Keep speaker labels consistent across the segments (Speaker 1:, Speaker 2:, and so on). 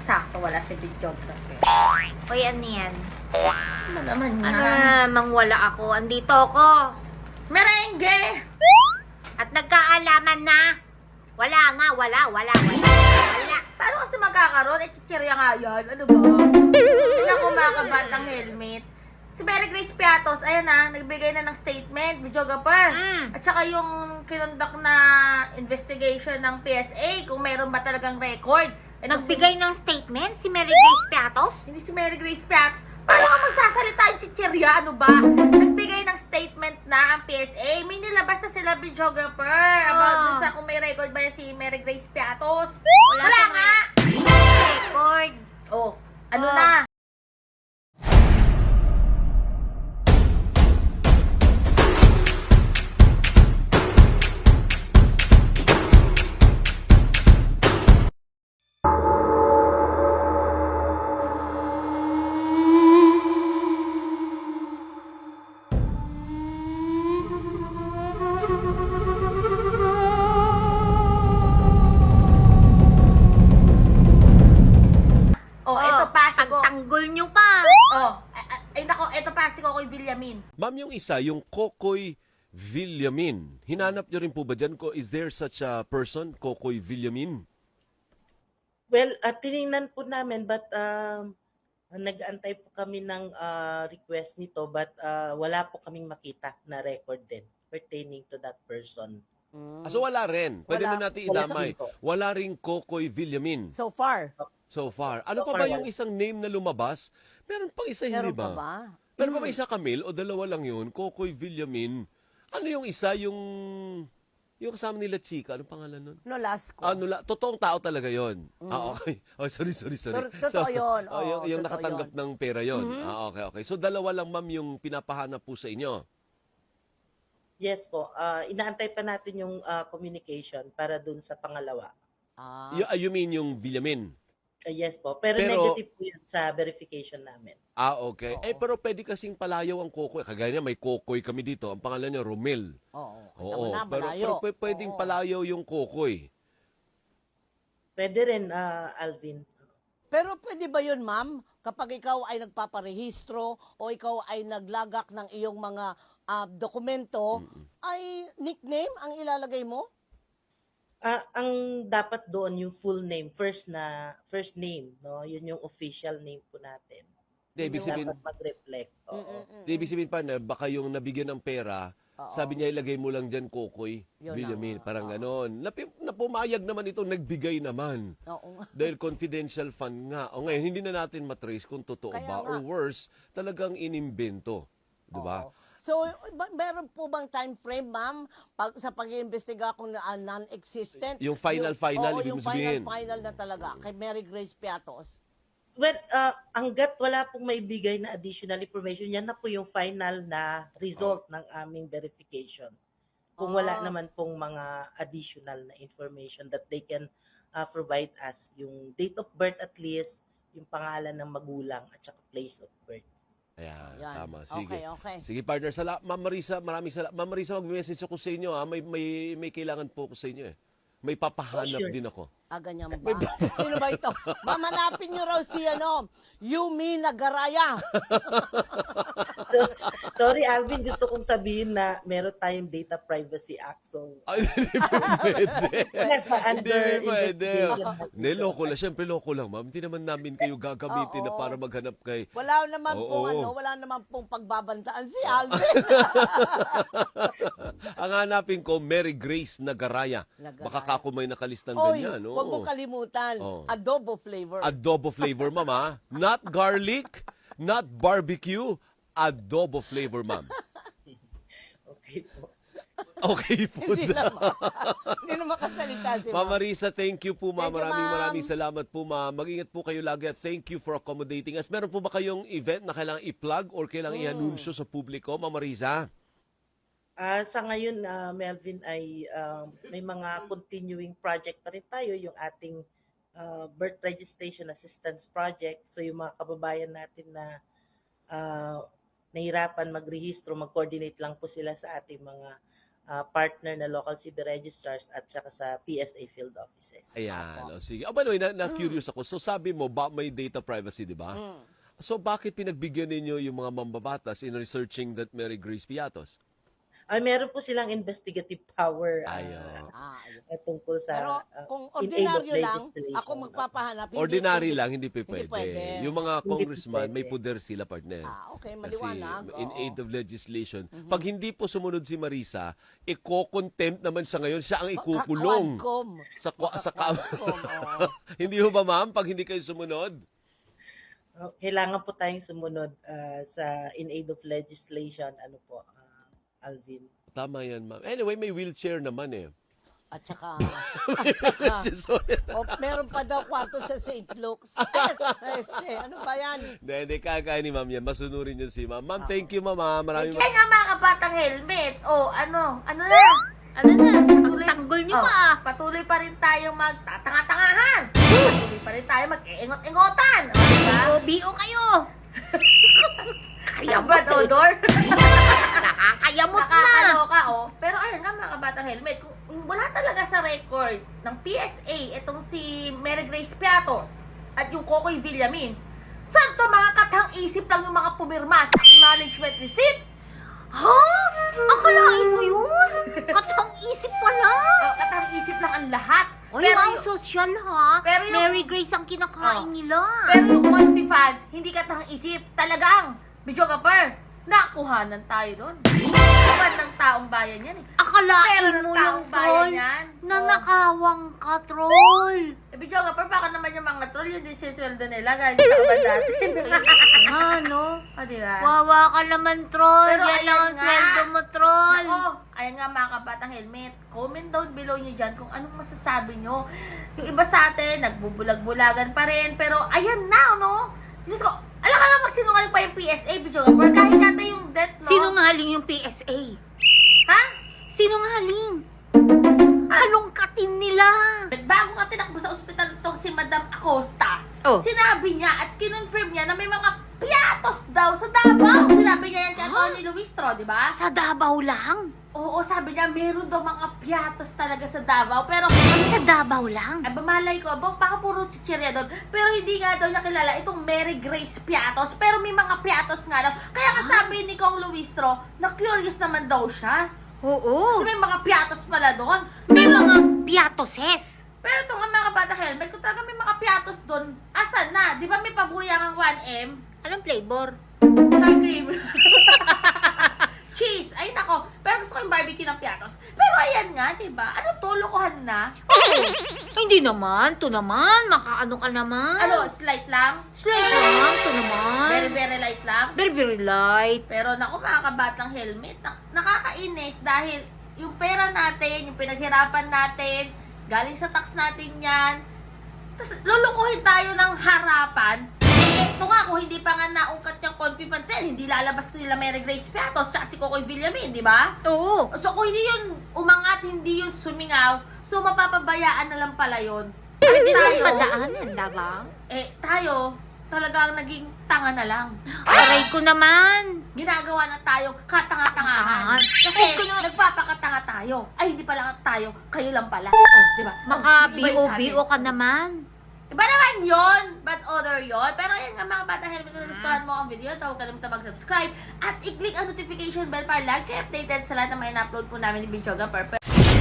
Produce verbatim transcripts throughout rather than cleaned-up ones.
Speaker 1: sakto wala si videographer.
Speaker 2: Uy, ano yan?
Speaker 1: Ano naman yan?
Speaker 2: Ano namang wala ako? Andito ako.
Speaker 1: Merengue!
Speaker 2: At nagkaalaman na. Wala nga, wala, wala, wala. Wala.
Speaker 1: Paano kasi magkakaroon? Eh, chichirya nga yan. Ano ba? Tignan ko mga kabatang helmet. Si Mary Grace Piatos, ayan na, nagbigay na ng statement, videographer.
Speaker 2: Mm.
Speaker 1: At saka yung kinundak na investigation ng P S A, kung mayroon ba talagang record. Ito
Speaker 2: Nagbigay ng statement si Mary Grace Piatos?
Speaker 1: Hindi si Mary Grace Piatos. Paano ka magsasalita yung chichirya? Ano ba? Nagbigay ng statement na ang P S A. May nilabas na sila videographer about
Speaker 2: Oh.
Speaker 1: dun sa kung may record ba yan si Mary Grace Piatos.
Speaker 2: Wala
Speaker 1: Wala,
Speaker 2: siyang
Speaker 1: nga!
Speaker 2: Record.
Speaker 1: Oh, ano
Speaker 2: Oh.
Speaker 1: na? Oh, ito pa si Ko.
Speaker 2: Pagtanggol nyo pa.
Speaker 1: Oh, ay, ay, ay nako, ito pa si Kokoy Villamin.
Speaker 3: Ma'am, yung isa, yung Kokoy Villamin. Hinanap niyo rin po ba dyan? Ko, is there such a person, Kokoy Villamin?
Speaker 4: Well, uh, tiningnan po namin but um, nag-aantay po kami ng ah, request nito but ah, wala po kaming makita na record din pertaining to that person.
Speaker 3: Ah, so wala rin. Pwede
Speaker 5: Wala.
Speaker 3: na natin
Speaker 4: Wala
Speaker 3: idamay.
Speaker 4: sa-
Speaker 3: Wala rin Kokoy Villamin
Speaker 5: So far,
Speaker 3: so far. Ano
Speaker 4: So
Speaker 3: pa ba
Speaker 4: far,
Speaker 3: yung
Speaker 4: wala.
Speaker 3: isang name na lumabas? Meron pang isa, hindi
Speaker 5: meron pa
Speaker 3: ba?
Speaker 5: ba?
Speaker 3: Meron pa ba isa, Camille? O dalawa lang yun? Kokoy Villamin. Ano yung isa? Yung... Yung kasama nila Chika. Anong pangalan nun?
Speaker 5: No, last ko.
Speaker 3: Ano la, totoong tao talaga yon. Ah, okay. Oh, sorry, sorry, sorry.
Speaker 5: Tor- totoo yun.
Speaker 3: oh, yung,
Speaker 5: Oo,
Speaker 3: yung
Speaker 5: totoo
Speaker 3: nakatanggap
Speaker 5: yun.
Speaker 3: ng pera yon.
Speaker 5: Mhm.
Speaker 3: Ah, okay, okay. So, dalawa lang, ma'am, yung pinapahanap po sa inyo.
Speaker 4: Yes po, ah, inaantay pa natin yung ah, communication para dun sa pangalawa.
Speaker 5: Ah,
Speaker 3: You, ah, you mean yung Villamin?
Speaker 4: Ah, yes po, pero,
Speaker 3: Pero-
Speaker 4: negative po yun sa verification namin.
Speaker 3: Ah, okay.
Speaker 5: Oo.
Speaker 3: Eh, pero pwede kasing palayaw ang Kokoy. Kagaya niya, may Kokoy kami dito. Ang pangalan niya, Romel.
Speaker 5: oo. Kita
Speaker 3: Oo.
Speaker 5: mo na,
Speaker 3: Pero,
Speaker 5: malayo.
Speaker 3: pero pwe- pwedeng
Speaker 5: Oo.
Speaker 3: palayaw yung Kokoy.
Speaker 4: Pwede rin, ah, Alvin.
Speaker 5: Pero pwede ba yun, ma'am? Kapag ikaw ay nagpaparehistro o ikaw ay naglagak ng iyong mga ah, dokumento, ay nickname ang ilalagay mo?
Speaker 4: Ah, ang dapat doon yung full name, first na first name, no? Yun yung official name po natin.
Speaker 3: Hindi, ibig
Speaker 4: Yung
Speaker 3: sabihin,
Speaker 4: dapat mag-reflect. Oo.
Speaker 5: Mm-mm-mm.
Speaker 3: di, ibig sabihin pa na baka yung nabigyan ng pera,
Speaker 5: Oo.
Speaker 3: sabi niya ilagay mo lang dyan Kokoy,
Speaker 5: Yun
Speaker 3: Villamin,
Speaker 5: na nga.
Speaker 3: parang
Speaker 5: Oo.
Speaker 3: ganon. Napi, napumayag naman ito, nagbigay naman.
Speaker 5: Oo.
Speaker 3: Dahil confidential fund nga. O ngayon, hindi na natin matrace kung totoo
Speaker 5: Kaya
Speaker 3: ba.
Speaker 5: nga.
Speaker 3: Or worse, talagang inimbento. Di ba?
Speaker 5: Oo. So, ba- meron po bang time frame, ma'am, pag, sa pag-iimbestiga kung na, ah, non-existent?
Speaker 3: Yung final, final,
Speaker 5: oo,
Speaker 3: ibig
Speaker 5: yung
Speaker 3: mo sabihin.
Speaker 5: final, final na talaga, kay Mary Grace Piatos.
Speaker 4: Well, uh, hanggat wala pong may bigay na additional information, yan na po yung final na result ng aming verification. Kung wala
Speaker 5: Ah.
Speaker 4: naman pong mga additional na information that they can uh, provide us, yung date of birth at least, yung pangalan ng magulang at saka place of birth.
Speaker 3: Ayan,
Speaker 5: Yan.
Speaker 3: tama. Sige.
Speaker 5: Okay, okay.
Speaker 3: Sige, partner. Sala Ma'am Marisa, maraming salamat. Ma'am Marisa, mag-message ako sa inyo. Ha? May, may, may kailangan po ako sa inyo. Eh. May papahanap
Speaker 4: Oh, sure.
Speaker 3: din ako.
Speaker 5: Ah, ganyan ba? Sino ba ito? Mamanapin niyo raw si, ano, Yumi Nagaraya.
Speaker 4: So, sorry, Alvin, gusto kong sabihin na meron tayong Data Privacy Act. So,
Speaker 3: Ay, hindi po pwede.
Speaker 4: nasa
Speaker 3: Hindi
Speaker 4: under
Speaker 3: pwede.
Speaker 4: investigation. na po
Speaker 3: Hindi,
Speaker 4: siya.
Speaker 3: loko lang. Siyempre, loko lang, ma'am. Hindi naman namin kayo gagamitin na
Speaker 5: Oo.
Speaker 3: para maghanap kay...
Speaker 5: Wala naman
Speaker 3: Oo.
Speaker 5: pong, ano, wala naman pong pagbabantaan si Alvin.
Speaker 3: Ang hanapin ko, Mary Grace Nagaraya.
Speaker 5: Nagaraya.
Speaker 3: Baka kako may nakalistang
Speaker 5: Oy,
Speaker 3: ganyan. Oo.
Speaker 5: huwag mo kalimutan,
Speaker 3: Oo.
Speaker 5: adobo flavor.
Speaker 3: Adobo flavor, ma'am, ha? Not garlic, not barbecue, adobo flavor, ma'am.
Speaker 4: Okay po.
Speaker 3: Okay po
Speaker 5: Hindi
Speaker 3: na.
Speaker 5: naman. Hindi naman kasalita si
Speaker 3: Ma'am
Speaker 5: Ma'am.
Speaker 3: Marisa, thank you po, ma'am.
Speaker 5: Thank you,
Speaker 3: Maraming
Speaker 5: ma'am.
Speaker 3: maraming salamat po, ma'am. Mag-ingat po kayo lagi at thank you for accommodating us. Meron po ba kayong event na kailangan i-plug or kailangan
Speaker 5: Mm.
Speaker 3: i-anunsyo sa publiko, ma'am Marisa?
Speaker 4: Ah, sa ngayon, ah, Melvin, ay um, may mga continuing project pa rin tayo, yung ating ah, birth registration assistance project. So yung mga kababayan natin na ah, nahirapan magrehistro, mag-coordinate lang po sila sa ating mga ah, partner na local C B registrars at saka sa P S A field offices.
Speaker 3: Ayan. O, sige. Ah, by the way, na, na-curious ako. So, sabi mo, ba, may data privacy, di ba?
Speaker 5: Mm.
Speaker 3: So, bakit pinagbigyan ninyo yung mga mambabatas in researching that Mary Grace Piatos?
Speaker 4: Ay, meron po silang investigative power ah,
Speaker 3: Ayun.
Speaker 5: Ah, ayun.
Speaker 4: ah, tungkol sa
Speaker 5: Pero
Speaker 4: ah,
Speaker 5: kung
Speaker 4: in aid of
Speaker 5: ordinaryo lang,
Speaker 4: legislation.
Speaker 5: ako magpapahanap. hindi
Speaker 3: Ordinary
Speaker 5: pwede-
Speaker 3: lang, hindi pa pwede.
Speaker 5: pwede.
Speaker 3: Yung mga
Speaker 4: Hindi
Speaker 3: congressman,
Speaker 4: pwede.
Speaker 3: may poder sila, partner.
Speaker 5: Ah, okay,
Speaker 3: Kasi
Speaker 5: maliwanag.
Speaker 3: in
Speaker 5: oo.
Speaker 3: aid of legislation. Pag hindi po sumunod si Marisa, iko-contempt naman siya ngayon. Siya ang ikukulong.
Speaker 5: Kaka-quadcom.
Speaker 3: Sa, kwa- sa ka-
Speaker 5: Kaka-quadcom, oo.
Speaker 3: Hindi ho ba, ma'am? Pag hindi kayo sumunod?
Speaker 4: Ah, kailangan po tayong sumunod ah, sa in aid of legislation. Ano po, ah, Alvin?
Speaker 3: Tama yan, ma'am. Anyway, may wheelchair naman eh.
Speaker 5: At saka, at saka,
Speaker 3: Sorry.
Speaker 5: oh, meron pa daw kwarto sa Saint Luke's. Este, ano ba yan?
Speaker 3: Hindi, hindi. Kaya ni ma'am yan. Masunurin yan si ma'am. Ma'am, thank you, ma'am. ah. Maraming
Speaker 1: Ay nga mga kabatang helmet. O, ano, ano na?
Speaker 2: Ano na? Ang
Speaker 1: Patuloy-
Speaker 2: tanggol niyo
Speaker 1: Oh,
Speaker 2: pa.
Speaker 1: Patuloy pa rin tayong magtatanga-tangahan. Patuloy pa rin tayo mag-iingot-ingotan. O, diba?
Speaker 2: B O kayo.
Speaker 1: Kayamot, odor.
Speaker 2: Nakakayamot na.
Speaker 1: Nakakaloka, oh. Pero ayun nga mga kabatang helmet, kung kung wala talaga sa record ng P S A itong si Mary Grace Piatos at yung Kokoy Villamin, saan to mga katang isip lang yung mga pumirma sa acknowledgement receipt?
Speaker 2: Ha? Akalain mo yun? Katang isip pala.
Speaker 1: Oh, katang isip lang ang lahat.
Speaker 2: Oy,
Speaker 1: pero,
Speaker 2: ang
Speaker 1: yung,
Speaker 2: social ha.
Speaker 1: pero yung-
Speaker 2: Mary Grace ang kinakain
Speaker 1: Oh.
Speaker 2: nila.
Speaker 1: pero yung Confi fans, hindi katang isip. Talagang, videographer, nakuhanan tayo doon. Kapag ng taong bayan yan eh.
Speaker 2: Akalain
Speaker 1: Pero ng
Speaker 2: mo yung
Speaker 1: taong bayan
Speaker 2: troll.
Speaker 1: yan.
Speaker 2: Nanakawang ka, troll.
Speaker 1: Eh, videographer, baka naman yung mga troll, yun din sinsweldo nila, galing sa kaban natin.
Speaker 2: Nga, no?
Speaker 1: O, diba?
Speaker 2: Wawa ka naman, troll.
Speaker 1: Pero
Speaker 2: Yan
Speaker 1: ayan
Speaker 2: lang ang
Speaker 1: nga.
Speaker 2: sweldo mo, troll.
Speaker 1: Nako, ayan nga mga kabatang helmet. Comment down below nyo dyan kung anong masasabi nyo. Yung iba sa atin, nagbubulag-bulagan pa rin. Pero ayan na, no? Diyos ko, alam ka lang magsinungaling pa yung P S A, videographer. Kahit natin yung death, no?
Speaker 2: Sinungaling yung P S A.
Speaker 1: Ha?
Speaker 2: Sinungaling. Halongkatin nila.
Speaker 1: Bago nga tinakbo sa ospital itong si Madam Acosta,
Speaker 2: Oh.
Speaker 1: sinabi niya at kinonfirm niya na may mga piatos daw sa Davao. Sinabi niya yan kay Tony Luistro, di ba?
Speaker 2: Sa Davao lang.
Speaker 1: Oo, sabi niya, meron daw mga piatos talaga sa Davao. Pero,
Speaker 2: Sa Davao lang.
Speaker 1: ay, bamalay ko, bak- baka puro chichirya doon. Pero hindi nga daw niya kilala itong Mary Grace Piatos. Pero may mga piatos nga daw. Kaya nga sabi ni Kong Luistro, na curious naman daw siya.
Speaker 2: Oo.
Speaker 1: Kasi may mga piatos pala doon.
Speaker 2: May mga piatoses.
Speaker 1: Pero ito nga mga bata helmet, kung talaga may mga piatos doon, asan na? Di ba may pabuyang ang one M?
Speaker 2: Anong flavor?
Speaker 1: Sour cream. Cheese. Ay nako. Pero gusto ko yung barbecue ng piatos. Pero ayan nga, di ba? Ano to? Lokohan na?
Speaker 2: Oo. Hindi naman. To naman. Makaano ka naman.
Speaker 1: Ano? Slight lang?
Speaker 2: Slight lang. To naman.
Speaker 1: Very, very light lang?
Speaker 2: Very, very light.
Speaker 1: Pero naku mga kabatang helmet, nak- nakakainis dahil yung pera natin, yung pinaghirapan natin, galing sa tax natin yan, tapos lulukuhin tayo ng harapan. Eh, ito nga, kung hindi pa nga naungkat yung confidence yan, hindi lalabas to nila Mary Grace Piatos tsaka si Kokoy Villamin, di ba?
Speaker 2: Oo.
Speaker 1: So kung hindi yun umangat, hindi yun sumingaw, so mapapabayaan na lang pala yun. At
Speaker 2: Pwede
Speaker 1: tayo,
Speaker 2: rin padaanan, diba?
Speaker 1: eh tayo, talagang naging tanga na lang.
Speaker 2: Aray ko naman.
Speaker 1: Ginagawa na tayong katanga-tangahan.
Speaker 2: Katangahan.
Speaker 1: Kasi
Speaker 2: Ay, kuno-
Speaker 1: nagpapakatanga tayo. Ay, hindi pala tayo, kayo lang pala. Oh, di ba?
Speaker 2: Maka
Speaker 1: Oh, yung iba yung
Speaker 2: B O B O
Speaker 1: sabi.
Speaker 2: ka naman.
Speaker 1: Iba naman yon, but other yon. Pero ayan nga mga bata helmet, kung nagustuhan mo ang video, huwag kalimutan mag-subscribe at i-click ang notification bell para lagi kayo updated sa lahat ng mga in-upload po namin ni videographer.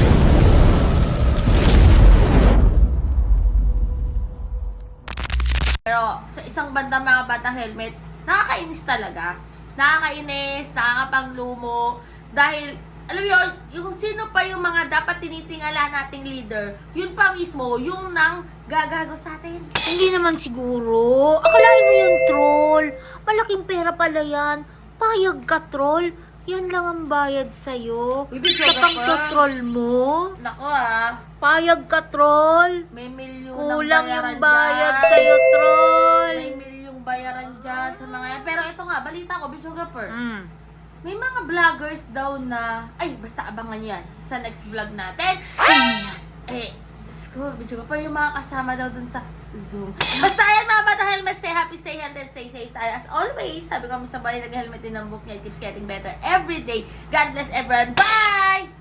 Speaker 1: Pero sa isang banda mga bata helmet, nakakainis talaga. Nakakainis, nakakapanglumo. Dahil, alam mo yun, yung sino pa yung mga dapat tinitingala nating leader, yun pa mismo, yung nang gagago sa atin.
Speaker 2: Hindi naman siguro. Akalain mo yung troll. Malaking pera pala yan. Payag ka, troll. Yan lang ang bayad sa'yo.
Speaker 1: Uy,
Speaker 2: Sa
Speaker 1: videographer.
Speaker 2: pagtotroll mo.
Speaker 1: Nako ah,
Speaker 2: Payag ka, troll.
Speaker 1: may milyon
Speaker 2: Kulang
Speaker 1: ng bayaran
Speaker 2: yung bayad
Speaker 1: dyan.
Speaker 2: sa'yo, troll.
Speaker 1: May milyong bayaran dyan sa mga yan. Pero ito nga, balita ko, videographer.
Speaker 2: Mm.
Speaker 1: May mga vloggers daw na, ay, basta abangan yan sa next vlog natin.
Speaker 2: Sino yan?
Speaker 1: Eh, ko, video ko pa yung mga kasama daw dun sa Zoom. Basta yan mga bata helmet, stay happy, stay healthy, and stay safe tayo. As always, sabi ko, Mister Bali, nag-helmet din ng book niya. It keeps getting better every day. God bless everyone. Bye!